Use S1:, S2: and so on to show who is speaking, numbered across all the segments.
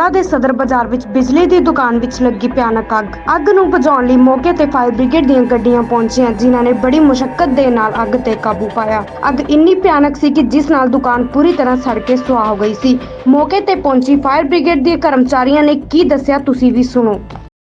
S1: ਪਟਿਆਲਾ ਦੇ ਸਦਰ ਬਾਜ਼ਾਰ ਵਿੱਚ ਬਿਜਲੀ ਦੀ ਦੁਕਾਨ ਵਿੱਚ ਲੱਗੀ ਭਿਆਨਕ ਅੱਗ ਨੂੰ ਬੁਝਾਉਣ ਲਈ ਮੌਕੇ ਤੇ ਫਾਇਰ ਬ੍ਰਿਗੇਡ ਦੀਆਂ ਗੱਡੀਆਂ ਪਹੁੰਚੀਆਂ, ਜਿਨ੍ਹਾਂ ਨੇ ਬੜੀ ਮੁਸ਼ੱਕਤ ਦੇ ਨਾਲ ਅੱਗ ਤੇ ਕਾਬੂ ਪਾਇਆ। ਅੱਗ ਇੰਨੀ ਭਿਆਨਕ ਸੀ ਕਿ ਜਿਸ ਨਾਲ ਦੁਕਾਨ ਪੂਰੀ ਤਰ੍ਹਾਂ ਸੜ ਕੇ ਸੁਆਹ ਹੋ ਗਈ ਸੀ। ਮੌਕੇ ਤੇ ਪਹੁੰਚੀ ਫਾਇਰ ਬ੍ਰਿਗੇਡ ਦੇ ਕਰਮਚਾਰੀਆਂ ਨੇ ਕੀ ਦੱਸਿਆ, ਤੁਸੀਂ ਵੀ ਸੁਣੋ।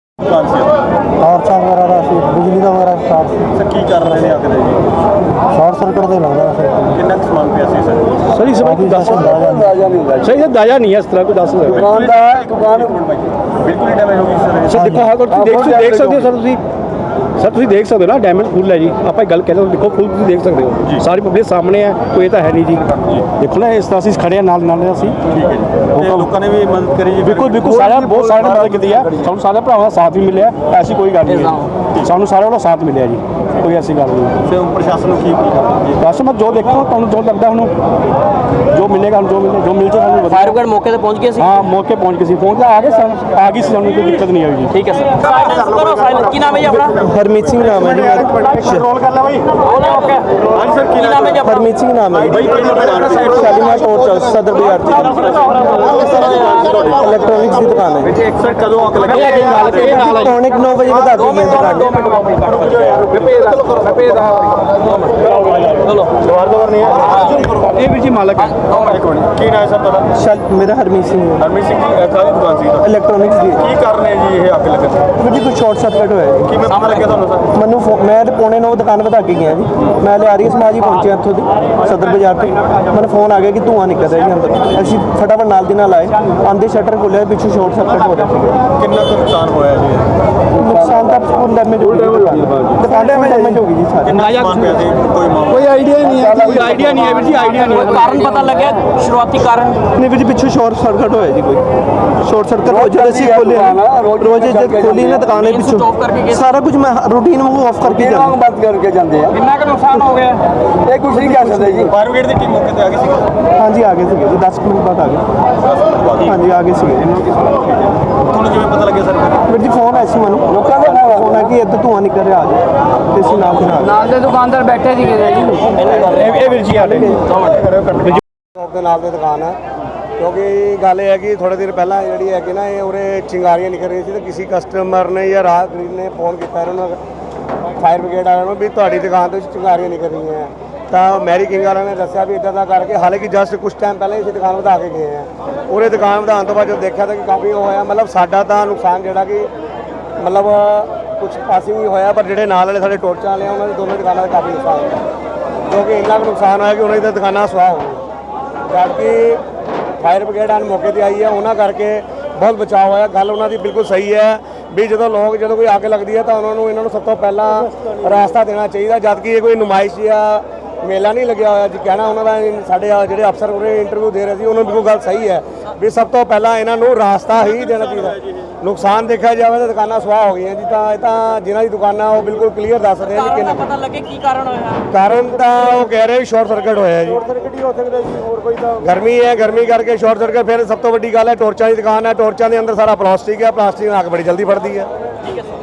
S2: बिजली का वगैरह स्टार्ट
S3: की कर रहे हैं आकर जी
S2: शॉर्ट सर्किट से लग रहा है।
S3: कितना समान पिया सी सर
S2: सर इस बार अंदाजा नहीं सही अंदाजा नहीं है इस तरह को 10 दुकान
S3: बिल्कुल ही डैमेज होगी सर
S2: देखो हाँ तो देख सकते हो सर ਤੁਸੀਂ ਦੇਖ ਸਕਦੇ ਹੋ ਨਾ, ਡੈਮੇਜ ਫੁੱਲ ਹੈ ਜੀ। ਆਪਾਂ ਗੱਲ ਕਹਿੰਦੇ ਦੇਖੋ ਫੁੱਲ ਤੁਸੀਂ ਦੇਖ ਸਕਦੇ ਹੋ, ਸਾਰੀ ਪਬਲਿਕ ਸਾਹਮਣੇ ਹੈ, ਕੋਈ ਤਾਂ ਹੈ ਨਹੀਂ ਜੀ। ਦੇਖੋ ਨਾ ਇਸ ਤਰ੍ਹਾਂ ਅਸੀਂ ਖੜੇ ਆ ਨਾਲ ਅਸੀਂ।
S3: ਠੀਕ ਹੈ ਜੀ, ਲੋਕਾਂ ਨੇ ਵੀ ਮਦਦ ਕਰੀ ਜੀ।
S2: ਬਿਲਕੁਲ ਸਾਰਿਆਂ ਬਹੁਤ ਸਾਰਿਆਂ ਨੇ ਮਦਦ ਕੀਤੀ ਹੈ। ਸਾਨੂੰ ਸਾਰੇ ਭਰਾਵਾਂ ਦਾ ਸਾਥ ਵੀ ਮਿਲਿਆ, ਐਸੀ ਕੋਈ ਗੱਲ ਨਹੀਂ ਹੈ। ਸਾਨੂੰ ਸਾਰਿਆਂ ਦਾ ਸਾਥ ਮਿਲਿਆ ਜੀ, ਕੋਈ ਐਸੀ ਗੱਲ ਨਹੀਂ।
S3: ਤੇ ਪ੍ਰਸ਼ਾਸਨ ਨੂੰ ਕੀ ਜੀ
S2: ਬਸ ਮੈਂ ਜੋ ਦੇਖੋ ਤੁਹਾਨੂੰ ਜੋ ਲੱਗਦਾ ਹੁਣ ਜੋ ਮਿਲੇਗਾ ਜੋ ਮਿਲ ਜੇ ਸਾਨੂੰ।
S4: ਫਾਇਰ ਬ੍ਰਿਗੇਡ ਮੌਕੇ ਤੇ ਪਹੁੰਚ ਗਏ ਸੀ?
S2: ਹਾਂ ਮੌਕੇ ਪਹੁੰਚ ਗਏ ਸੀ, ਆ ਗਏ ਸੀ ਸਾਨੂੰ ਕੋਈ ਦਿੱਕਤ ਨਹੀਂ ਆਈ ਜੀ।
S4: ਠੀਕ ਹੈ ਸਰ। ਸਾਇਲੈਂਸ ਕਰੋ, ਸਾਇਲੈਂਸ। ਕੀ ਨਾਮ ਹੈ ਜੀ ਆਪਣਾ?
S2: ਹਰਮੀਤ ਸਿੰਘ ਨਾਮ ਹੈ ਜੀ ਮੇਰਾ।
S3: ਰੋਲ ਕਰ ਲੈ ਬਾਈ।
S4: ਓਕੇ
S3: ਹਾਂਜੀ ਸਰ, ਕੀ ਨਾਮ ਹੈ ਜੀ ਆਪਣਾ?
S2: ਹਰਮੀਤ ਸਿੰਘ ਨਾਮ ਹੈ
S3: ਬਾਈ
S2: ਸ਼ਾਲੀਮਾਰ ਟੋਰ ਸਦਰ ਬਾਜ਼ਾਰ ਇਲੈਕਟ੍ਰੋਨਿਕਸ ਦੀ ਦੁਕਾਨ ਹੈ।
S3: ਸਰ ਕਦੋਂ ਅੱਗ ਲੱਗੀ?
S2: ਇਲੈਕਟ੍ਰੋਨਿਕ 9 ਵਜੇ ਬਤਾ ਦਿੱਤੀ ਹੈ
S4: ਚਲੋ
S3: ਦੁਬਾਰ ਨਹੀਂ ਹੈ
S2: ਇਹ ਵੀਰ ਜੀ ਮਾਲਕ ਹੈ।
S3: ਇੱਕ ਮਿੰਟ, ਕੀ ਨਾਮ ਹੈ ਸਰ ਤੁਹਾਡਾ?
S2: ਮੇਰਾ ਹਰਮੀਤ ਸਿੰਘ ਹੈ।
S3: ਹਰਮੀਤ ਸਿੰਘ ਜੀ, ਕਾਹਦੀ ਦੁਕਾਨ ਸੀ?
S2: ਇਲੈਕਟ੍ਰੋਨਿਕਸ ਦੀ।
S3: ਕੀ ਕਾਰਨ ਹੈ ਜੀ ਇਹ ਅੱਗ ਲੱਗਣ ਦਾ?
S2: ਵੀਰ ਜੀ ਕੋਈ ਸ਼ਾਰਟ ਸਰਕਟ ਹੋਇਆ ਜੀ।
S3: ਕਿਵੇਂ ਪਤਾ ਲੱਗਿਆ ਤੁਹਾਨੂੰ ਸਰ?
S2: ਮੈਨੂੰ ਮੈਂ ਤੇ ਪੌਣੇ 9 ਦੁਕਾਨ ਵਧਾ ਕੇ ਗਿਆ ਜੀ। ਮੈਂ ਲਿਆਰੀ ਸਮਾਜ ਹੀ ਪਹੁੰਚਿਆ ਇੱਥੋਂ ਦੀ ਸਦਰ ਬਾਜ਼ਾਰ ਤੋਂ। ਮੈਨੂੰ ਫੋਨ ਆ ਗਿਆ ਕਿ ਧੂੰਆਂ ਨਿਕਲ ਰਿਹਾ ਜੀ ਅੰਦਰ। ਅਸੀਂ ਫਟਾਫਟ ਨਾਲ ਦੀ ਨਾਲ ਆਏ, ਆਂਦੇ ਸ਼ਟਰ ਖੋਲ੍ਹਿਆ, ਪਿੱਛੋਂ ਸ਼ਾਰਟ ਸਰਕਟ ਹੋ ਰਿਹਾ ਸੀ।
S3: ਕਿੰਨਾ ਕੁ ਨੁਕਸਾਨ ਹੋਇਆ ਜੀ?
S2: ਨੁਕਸਾਨ ਤਾਂ ਫੁੱਲ ਡੈਮੇਜ ਹੋ ਗਿਆ, ਦੁਕਾਨ ਡੈਮੇਜ ਹੋ ਗਈ ਜੀ ਸਾਰੀ।
S3: ਕਿੰਨਾ ਸਮਾਨ ਪਿਆ ਸੀ?
S2: ਕੋਈ ਆਈਡੀਆ ਨਹੀਂ ਹੈ, ਕੋਈ ਆਈਡੀਆ ਨਹੀਂ ਹੈ ਵੀਰ ਜੀ, ਆਈਡੀਆ ਨਹੀਂ ਹੈ।
S4: ਕਾਰਨ ਪਤਾ ਲੱਗਿਆ? ਸ਼ੁਰੂਆਤੀ ਕਾਰਨ
S2: ਨਹੀਂ ਵੀਰ ਜੀ, ਪਿੱਛੋਂ ਸ਼ਾਰਟ ਸਰਕਟ ਹੋਇਆ ਜੀ। ਕੋਈ ਸ਼ਾਰਟ ਸਰਕਟ ਹੋ ਜਦ ਅਸੀਂ ਖੋਲੇ ਰੋਜ਼ ਜਦ ਖੋਲੀ ਨਾ ਦੁਕਾਨ ਦੇ ਪਿੱਛੋਂ ਸਾਰਾ ਕੁਝ ਮੈਂ ਰੂਟੀਨ ਵਾਂਗੂ ਆਫ ਕਰਕੇ ਜਾਂਦਾ, ਬੰਦ ਕਰਕੇ ਜਾਂਦੇ ਆ।
S4: ਕਿੰਨਾ ਕੁ ਨੁਕਸਾਨ ਹੋ ਗਿਆ?
S2: ਇਹ ਕੁਝ ਨਹੀਂ ਕਹਿ ਸਕਦੇ ਜੀ।
S3: ਫਾਇਰ ਬ੍ਰਿਗੇਡ ਦੀ ਟੀਮ ਮੌਕੇ ਤੇ ਆ ਗਈ ਸੀ?
S2: ਹਾਂਜੀ ਆ ਗਏ ਸੀਗੇ ਜੀ, 10 ਮਿੰਟ ਬਾਅਦ ਆ ਗਏ। ਹਾਂਜੀ ਆ ਗਏ ਸੀਗੇ।
S3: ਤੁਹਾਨੂੰ ਕਿਵੇਂ ਪਤਾ ਲੱਗਿਆ ਸਰ?
S2: ਵੀਰ ਜੀ ਫੋਨ ਆਇਆ ਸੀ ਮੈਨੂੰ, ਲੋਕਾਂ ਦਾ ਫੋਨ ਆ ਕਿ ਇੱਥੇ ਧੂੰਆਂ ਨਿਕਲ ਰਿਹਾ, ਆ ਜਾਓ। ਤੇ ਅਸੀਂ ਨਾਲ
S4: ਦੇ ਦੁਕਾਨਦਾਰ ਬੈਠੇ ਸੀਗੇ ਜੀ।
S2: ਇਹ ਵੀਰ ਜੀ ਆਡੇ
S5: ਸ਼ੌਪ ਦੇ ਨਾਲ ਦੀ ਦੁਕਾਨ ਹੈ। ਕਿਉਂਕਿ ਗੱਲ ਇਹ ਹੈ ਕਿ ਥੋੜੇ ਦਿਨ ਪਹਿਲਾਂ ਜਿਹੜੀ ਹੈ ਕਿ ਨਾ ਇਹ ਉਰੇ ਚਿੰਗਾਰੀਆਂ ਨਿਕਲ ਰਹੀਆਂ ਸੀ, ਤੇ ਕਿਸੇ ਕਸਟਮਰ ਨੇ ਜਾਂ ਰਾਹਗੀਰ ਨੇ ਫੋਨ ਕੀਤਾ ਇਹਨਾਂ ਨੂੰ, ਫਾਇਰ ਬ੍ਰਿਗੇਡ ਵਾਲਿਆਂ ਨੂੰ, ਵੀ ਤੁਹਾਡੀ ਦੁਕਾਨ ਤੋਂ ਚਿੰਗਾਰੀਆਂ ਨਿਕਲ ਰਹੀਆਂ। ਤਾਂ ਮੈਰੀ ਕਿੰਗ ਵਾਲਿਆਂ ਨੇ ਦੱਸਿਆ ਵੀ ਇੱਦਾਂ ਦਾ ਕਰਕੇ, ਹਾਲਾਂਕਿ ਜਸਟ ਕੁਝ ਟਾਈਮ ਪਹਿਲਾਂ ਹੀ ਅਸੀਂ ਦੁਕਾਨ ਵਧਾ ਕੇ ਗਏ ਹਾਂ। ਉਰੇ ਦੁਕਾਨ ਵਧਾਉਣ ਤੋਂ ਬਾਅਦ ਜਦੋਂ ਦੇਖਿਆ ਤਾਂ ਕਿ ਕਾਫੀ ਹੋਇਆ, ਮਤਲਬ ਸਾਡਾ ਤਾਂ ਨੁਕਸਾਨ ਜਿਹੜਾ ਕਿ ਮਤਲਬ ਕੁਝ ਪਾਸਿੰਗ ਹੀ ਹੋਇਆ, ਪਰ ਜਿਹੜੇ ਨਾਲ ਵਾਲੇ ਸਾਡੇ ਟੋਰਚਾਂ ਵਾਲੇ ਆ ਉਹਨਾਂ ਦੀ ਦੋਨੋਂ ਦੁਕਾਨਾਂ ਦਾ ਕਾਫੀ ਨੁਕਸਾਨ ਹੋਇਆ। ਕਿਉਂਕਿ ਇੰਨਾ ਕੁ ਨੁਕਸਾਨ ਹੋਇਆ ਕਿ ਉਹਨਾਂ ਦੀ ਦੁਕਾਨਾਂ ਸੁਆਹ ਹੋ ਗਈਆਂ। ਜਦਕਿ ਫਾਇਰ ਬ੍ਰਿਗੇਡ ਆਨ ਮੌਕੇ ਤੇ ਆਈ ਹੈ, ਉਹਨਾਂ ਕਰਕੇ ਬਹੁਤ ਬਚਾਅ ਹੋਇਆ। ਗੱਲ ਉਹਨਾਂ ਦੀ ਬਿਲਕੁਲ ਸਹੀ ਹੈ ਵੀ ਜਦੋਂ ਕੋਈ ਅੱਗ ਲੱਗਦੀ ਹੈ ਤਾਂ ਇਹਨਾਂ ਨੂੰ ਸਭ ਤੋਂ ਪਹਿਲਾਂ ਰਾਸਤਾ ਦੇਣਾ ਚਾਹੀਦਾ। ਜਦਕਿ ਇਹ ਕੋਈ ਨੁਮਾਇਸ਼ ਜਾਂ ਮੇਲਾ ਨਹੀਂ ਲੱਗਿਆ ਹੋਇਆ ਜੀ। ਕਹਿਣਾ ਉਹਨਾਂ ਦਾ ਸਾਡੇ ਜਿਹੜੇ ਅਫਸਰ ਉਹਨੇ ਇੰਟਰਵਿਊ ਦੇ ਰਹੇ ਸੀ, ਉਹਨਾਂ ਨੂੰ ਬਿਲਕੁਲ ਗੱਲ ਸਹੀ ਹੈ ਵੀ ਸਭ ਤੋਂ ਪਹਿਲਾਂ ਇਹਨਾਂ ਨੂੰ ਰਾਸਤਾ ਹੀ ਦੇਣਾ ਚਾਹੀਦਾ। ਨੁਕਸਾਨ ਦੇਖਿਆ ਜਾਵੇ ਤਾਂ ਦੁਕਾਨਾਂ ਸੁਆਹ ਹੋ ਗਈਆਂ ਜੀ। ਤਾਂ ਇਹ ਤਾਂ ਜਿਨ੍ਹਾਂ ਦੀ ਦੁਕਾਨਾਂ ਉਹ ਬਿਲਕੁਲ ਕਲੀਅਰ ਦੱਸਦੇ ਆ ਜੀ ਕਿੰਨਾ
S4: ਪਤਾ ਲੱਗੇ ਕੀ ਕਾਰਨ ਹੋਇਆ?
S5: ਕਾਰਨ ਤਾਂ ਉਹ ਕਹਿ ਰਹੇ ਸ਼ਾਰਟ ਸਰਕਟ ਹੋਇਆ ਜੀ। ਸ਼ਾਰਟ ਸਰਕਟ ਹੀ ਹੋ ਸਕਦਾ ਜੀ, ਹੋਰ ਕੋਈ ਤਾਂ ਗਰਮੀ ਹੈ, ਗਰਮੀ ਕਰਕੇ ਸ਼ਾਰਟ ਸਰਕਟ। ਫਿਰ ਸਭ ਤੋਂ ਵੱਡੀ ਗੱਲ ਹੈ ਟੋਰਚਾਂ ਦੀ ਦੁਕਾਨ ਹੈ, ਟੋਰਚਾਂ ਦੇ ਅੰਦਰ ਸਾਰਾ ਪਲਾਸਟਿਕ ਹੈ, ਪਲਾਸਟਿਕ ਨਾਲ ਅੱਗ ਬੜੀ ਜਲਦੀ ਫੜਦੀ ਹੈ।
S4: ਠੀਕ ਹੈ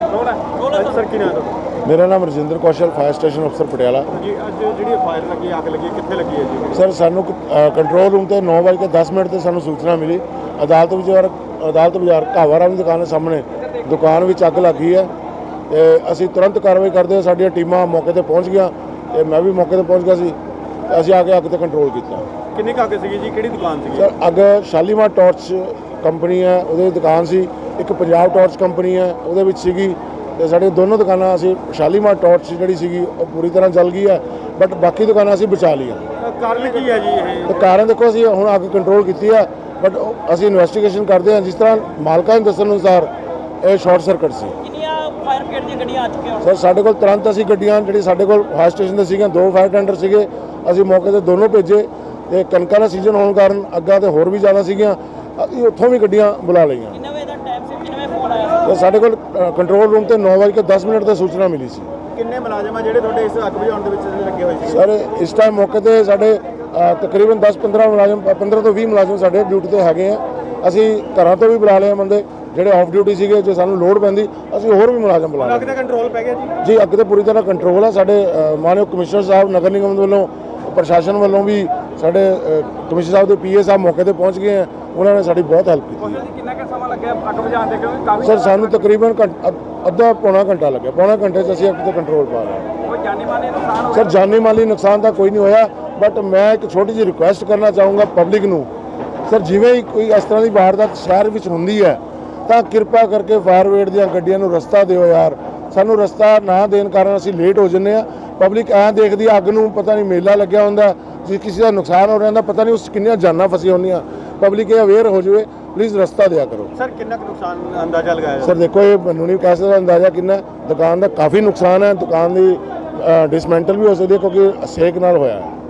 S3: ਸਰ, ਕੀ ਨਾਮ ਹੈ?
S6: ਮੇਰਾ ਨਾਮ ਰਜਿੰਦਰ ਕੌਸ਼ਲ, ਫਾਇਰ ਸਟੇਸ਼ਨ ਅਫਸਰ ਪਟਿਆਲਾ
S3: ਜੀ ਅੱਜ ਜਿਹੜੀ ਫਾਇਰ ਲੱਗੀ, ਅੱਗ ਲੱਗੀ, ਕਿੱਥੇ ਲੱਗੀ ਹੈ ਜੀ?
S6: ਸਰ ਸਾਨੂੰ ਕੰਟਰੋਲ ਰੂਮ ਤੇ 9:10 ਤੇ ਸਾਨੂੰ ਸੂਚਨਾ ਮਿਲੀ। ਅਦਾਲਤ ਬਾਜ਼ਾਰ ਘਾਵਾਰਾਮ ਦੀ ਦੁਕਾਨ ਦੇ ਸਾਹਮਣੇ ਦੁਕਾਨ ਵਿੱਚ ਅੱਗ ਲੱਗੀ ਹੈ। ਤੇ ਅਸੀਂ ਤੁਰੰਤ ਕਾਰਵਾਈ ਕਰਦੇ ਹੋਏ ਸਾਡੀਆਂ ਟੀਮਾਂ ਮੌਕੇ ਤੇ ਪਹੁੰਚ ਗਈਆਂ, ਤੇ ਮੈਂ ਵੀ ਮੌਕੇ ਤੇ ਪਹੁੰਚ ਗਿਆ ਸੀ। ਅਸੀਂ ਆ ਕੇ ਅੱਗ ਤੇ ਕੰਟਰੋਲ ਕੀਤਾ।
S3: ਕਿੰਨੀ ਕੁ ਅੱਗ ਸੀਗੀ ਜੀ? ਕਿਹੜੀ ਦੁਕਾਨ ਸੀਗੀ?
S6: ਸਰ ਅੱਗ ਸ਼ਾਲੀਮਾਰ ਟਾਰਚ ਕੰਪਨੀ ਹੈ, ਉਹਦੀ ਦੁਕਾਨ ਸੀ। ਇੱਕ ਪੰਜਾਬ ਟਾਰਚ ਕੰਪਨੀ ਹੈ, ਉਹਦੇ ਵਿੱਚ ਸੀਗੀ। ਤੇ ਸਾਡੀਆਂ ਦੋਨੋਂ ਦੁਕਾਨਾਂ ਅਸੀਂ ਸ਼ਾਲੀਮਾਰ ਟਾਰਚ ਜਿਹੜੀ ਸੀਗੀ ਉਹ ਪੂਰੀ ਤਰ੍ਹਾਂ ਜਲ ਗਈ ਹੈ, ਬਟ ਬਾਕੀ ਦੁਕਾਨਾਂ ਅਸੀਂ ਬਚਾ ਲਈਆਂ।
S3: ਕਾਰਨ ਕੀ ਹੈ ਜੀ ਇਹ?
S6: ਤੇ ਕਾਰਨ ਦੇਖੋ, ਅਸੀਂ ਹੁਣ ਅੱਗ ਕੰਟਰੋਲ ਕੀਤੀ ਹੈ, ਬਟ ਅਸੀਂ ਇਨਵੈਸਟੀਗੇਸ਼ਨ ਕਰਦੇ ਹਾਂ। ਜਿਸ ਤਰ੍ਹਾਂ ਮਾਲਕਾਂ ਦੇ ਦੱਸਣ ਅਨੁਸਾਰ ਇਹ ਸ਼ਾਰਟ ਸਰਕਟ ਸੀ।
S4: ਕਿੰਨੀਆਂ ਫਾਇਰ ਬ੍ਰਿਗੇਡ ਦੀਆਂ ਗੱਡੀਆਂ ਆ ਚੁੱਕੀਆਂ?
S6: ਸਰ ਸਾਡੇ ਕੋਲ ਤੁਰੰਤ ਅਸੀਂ ਗੱਡੀਆਂ ਜਿਹੜੀ ਸਾਡੇ ਕੋਲ ਫਾਇਰ ਸਟੇਸ਼ਨ ਤੇ ਸੀਗੀਆਂ, 2 ਫਾਇਰ ਟੈਂਡਰ ਸੀਗੇ, ਅਸੀਂ ਮੌਕੇ ਤੇ ਦੋਨੋਂ ਭੇਜੇ। ਤੇ ਕਣਕਾਂ ਦਾ ਸੀਜ਼ਨ ਹੋਣ ਕਾਰਨ ਅੱਗਾਂ ਤੇ ਹੋਰ ਵੀ ਜ਼ਿਆਦਾ ਸੀਗੀਆਂ, ਅਸੀਂ ਉੱਥੋਂ ਵੀ ਗੱਡੀਆਂ ਬੁਲਾ ਲਈਆਂ।
S4: ਕਿੰਨੇ ਵਜੇ ਦਾ ਟਾਈਮ ਸੀ? ਕਿੰਨੇ ਵਜੇ ਫੋਨ ਆਇਆ?
S6: ਤੇ ਸਾਡੇ ਕੋਲ ਕੰਟਰੋਲ ਰੂਮ ਤੇ 9:10 ਤੇ ਸੂਚਨਾ ਮਿਲੀ ਸੀ।
S3: ਕਿੰਨੇ ਮੁਲਾਜ਼ਮ ਆ ਜਿਹੜੇ ਤੁਹਾਡੇ ਇਸ ਅੱਗ ਬੁਝਾਉਣ ਦੇ ਵਿੱਚ ਲੱਗੇ ਹੋਏ ਸੀ?
S6: ਸਰ ਇਸ ਟਾਈਮ ਮੌਕੇ ਤੇ ਸਾਡੇ ਤਕਰੀਬਨ 10-15 ਮੁਲਾਜ਼ਮ, 15 ਤੋਂ 20 ਮੁਲਾਜ਼ਮ ਸਾਡੇ ਡਿਊਟੀ ਤੇ ਹੈਗੇ ਆ। ਅਸੀਂ ਘਰਾਂ ਤੋਂ ਵੀ ਬੁਲਾ ਲਏ ਬੰਦੇ ਜਿਹੜੇ ਆਫ ਡਿਊਟੀ ਸੀਗੇ। ਜੇ ਸਾਨੂੰ ਲੋੜ ਪੈਂਦੀ ਅਸੀਂ ਹੋਰ ਵੀ ਮੁਲਾਜ਼ਮ ਬੁਲਾ ਲਏ।
S3: ਅੱਗ ਦਾ ਕੰਟਰੋਲ ਪੈ ਗਿਆ ਜੀ?
S6: ਜੀ ਅੱਗ ਤੇ ਪੂਰੀ ਤਰ੍ਹਾਂ ਕੰਟਰੋਲ ਹੈ। ਸਾਡੇ ਮਾਨਯੋਗ ਕਮਿਸ਼ਨਰ ਸਾਹਿਬ ਨਗਰ ਨਿਗਮ ਵੱਲੋਂ, ਪ੍ਰਸ਼ਾਸਨ ਵੱਲੋਂ ਵੀ, ਸਾਡੇ ਕਮਿਸ਼ਨਰ ਸਾਹਿਬ ਦੇ ਪੀਏ ਸਾਹਿਬ ਮੌਕੇ ਤੇ ਪਹੁੰਚ ਗਏ ਆ। ਉਹਨਾਂ ਨੇ ਸਾਡੀ ਬਹੁਤ ਹੈਲਪ ਕੀਤੀ ਹੈ।
S3: ਕਿੰਨਾ ਕੁ ਸਮਾਂ ਲੱਗਿਆ ਅੱਗ ਬੁਝਾਉਣ ਦੇ ਕਿਉਂਕਿ ਕਾਫੀ
S6: ਸਰ ਸਾਨੂੰ ਤਕਰੀਬਨ ਅੱਧਾ ਪੌਣਾ ਘੰਟਾ ਲੱਗਿਆ, ਪੌਣਾ ਘੰਟੇ 'ਚ ਅਸੀਂ ਅੱਗ ਤੇ ਕੰਟਰੋਲ ਪਾ ਲਏ।
S3: ਕੋਈ ਜਾਨੀ ਮਾਲੀ ਨੁਕਸਾਨ ਹੋਇਆ?
S6: ਸਰ ਜਾਨੀ ਮਾਲੀ ਨੁਕਸਾਨ ਤਾਂ ਕੋਈ ਨਹੀਂ ਹੋਇਆ, ਬਟ ਮੈਂ ਇੱਕ ਛੋਟੀ ਜਿਹੀ ਰਿਕੁਐਸਟ ਕਰਨਾ ਚਾਹੂੰਗਾ ਪਬਲਿਕ ਨੂੰ। ਸਰ ਜਿਵੇਂ ਹੀ ਕੋਈ ਇਸ ਤਰ੍ਹਾਂ ਦੀ ਵਾਰਦਾਤ ਸ਼ਹਿਰ ਵਿੱਚ ਹੁੰਦੀ ਹੈ ਤਾਂ ਕਿਰਪਾ ਕਰਕੇ ਫਾਇਰ ਬ੍ਰਿਗੇਡ ਦੀਆਂ ਗੱਡੀਆਂ ਨੂੰ ਰਸਤਾ ਦਿਓ ਯਾਰ। ਸਾਨੂੰ ਰਸਤਾ ਨਾ ਦੇਣ ਕਾਰਨ ਅਸੀਂ ਲੇਟ ਹੋ ਜੰਨੇ ਆ। ਪਬਲਿਕ ਐਂ ਦੇਖਦੀ ਅੱਗ ਨੂੰ, ਪਤਾ ਨਹੀਂ ਮੇਲਾ ਲੱਗਿਆ ਹੁੰਦਾ, ਜੇ ਕਿਸੇ ਦਾ ਨੁਕਸਾਨ ਹੋ ਰਿਹਾ ਹੁੰਦਾ, ਪਤਾ ਨਹੀਂ ਉਸ 'ਚ ਕਿੰਨੀਆਂ ਜਾਨਾਂ ਫਸੀਆਂ ਹੁੰਦੀਆਂ। ਪਬਲਿਕ ਇਹ ਅਵੇਅਰ ਹੋ ਜਾਵੇ, ਪਲੀਜ਼ ਰਸਤਾ ਦਿਆ ਕਰੋ।
S3: ਸਰ ਕਿੰਨਾ ਕੁ ਨੁਕਸਾਨ ਅੰਦਾਜ਼ਾ ਲਗਾਇਆ?
S6: ਸਰ ਦੇਖੋ, ਇਹ ਮੈਨੂੰ ਨਹੀਂ ਕਹਿ ਸਕਦਾ ਅੰਦਾਜ਼ਾ ਕਿੰਨਾ। ਦੁਕਾਨ ਦਾ ਕਾਫੀ ਨੁਕਸਾਨ ਹੈ, ਦੁਕਾਨ ਦੀ ਡਿਸਮੈਂਟਲ ਵੀ ਹੋ ਸਕਦੀ ਹੈ ਕਿਉਂਕਿ ਸੇਕ ਨਾਲ ਹੋਇਆ ਹੈ।